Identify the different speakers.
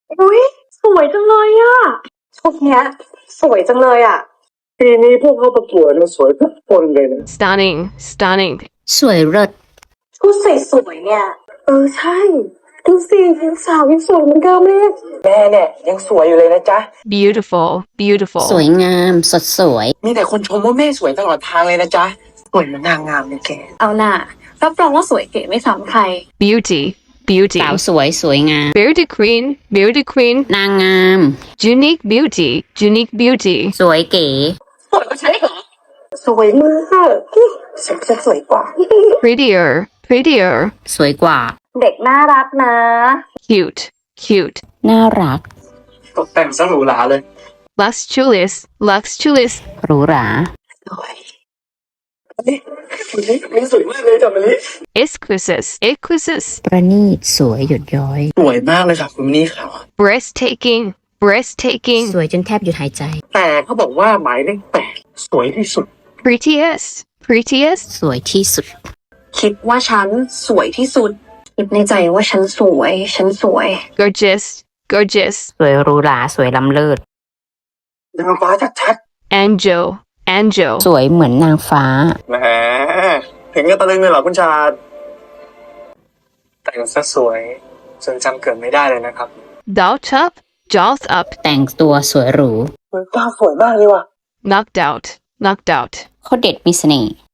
Speaker 1: อุ้ยสวยจังเลยอะชุดเนี้ยสวยจังเลยอะ
Speaker 2: ปีนี้พวกเขาประกวดมาสวยทุกคนเลยนะ
Speaker 3: Stunning, stunning.
Speaker 4: สวยเลิศ
Speaker 1: ชุดสวยๆเนี่ยใช่ดูสิยังสาวยังสวยเหมือนเดิมเลย
Speaker 2: แม่เนี่ยยังสวยอยู่เลยนะจ๊ะ
Speaker 3: Beautiful,
Speaker 4: ส
Speaker 3: beautiful.
Speaker 4: วยงามสดสวย
Speaker 2: มีแต่คนชมว่าแม่สวยตลอดทางเลยนะจ๊ะสวยเหมือนนางงามเลยแก
Speaker 1: เอาน่ะรับรองว่าสวยเก๋ไม่ซ้ำใคร
Speaker 3: Beauty, beauty.
Speaker 4: สาวสวยสวยงาม
Speaker 3: Beauty queen, beauty queen.
Speaker 4: นางงาม
Speaker 3: Unique beauty, unique beauty.
Speaker 4: สวยเก๋
Speaker 1: สวยกว่าฉันอีกเหรอสวยมากฉันจะสวยกว่า
Speaker 3: Prettier, prettier.
Speaker 4: สวยกว่า
Speaker 1: เด็กน่ารักนะ
Speaker 3: Cute, cute.
Speaker 4: น่ารัก
Speaker 2: ตกแต่งซะหรูหราเลย
Speaker 3: Luxurious, luxurious.
Speaker 4: หรูหรา
Speaker 1: สวย
Speaker 2: นี่สวยมากเลยจ้ะมะลิ
Speaker 3: Exquisite, exquisite.
Speaker 4: ประณีตสวยหยดย้อย
Speaker 2: สวยมากเลยค่ะคุณนี่ค่ะ
Speaker 3: Breathtaking, breathtaking.
Speaker 4: สวยจนแทบหยุดหายใจ
Speaker 2: แต่เขาบอกว่าหมายเลข8สวยที่สุด
Speaker 3: Prettiest, prettiest.
Speaker 4: สวยที่สุด
Speaker 1: คิดว่าฉันสวยที่สุดคิดในใจว่าฉันสวย
Speaker 3: Gorgeous, gorgeous.
Speaker 4: สวยหรูหราสวยล้ำเลิศ
Speaker 2: นางฟ้าชัด
Speaker 3: Angel, angel.
Speaker 4: สวยเหมือนนางฟ้า
Speaker 2: ๆแหมถึงกับตะลึงเลยเหรอคุณชาดแต่งซะสวยจนจำเกิดไม่ได้เลยนะครับ
Speaker 3: Dolled up, jaws up.
Speaker 4: แต่งตัวสวยหรู
Speaker 2: ตาสวยมากเลยว่ะ
Speaker 3: Knocked out, knocked out.
Speaker 4: โคตรเด็ดมีเสน่ห์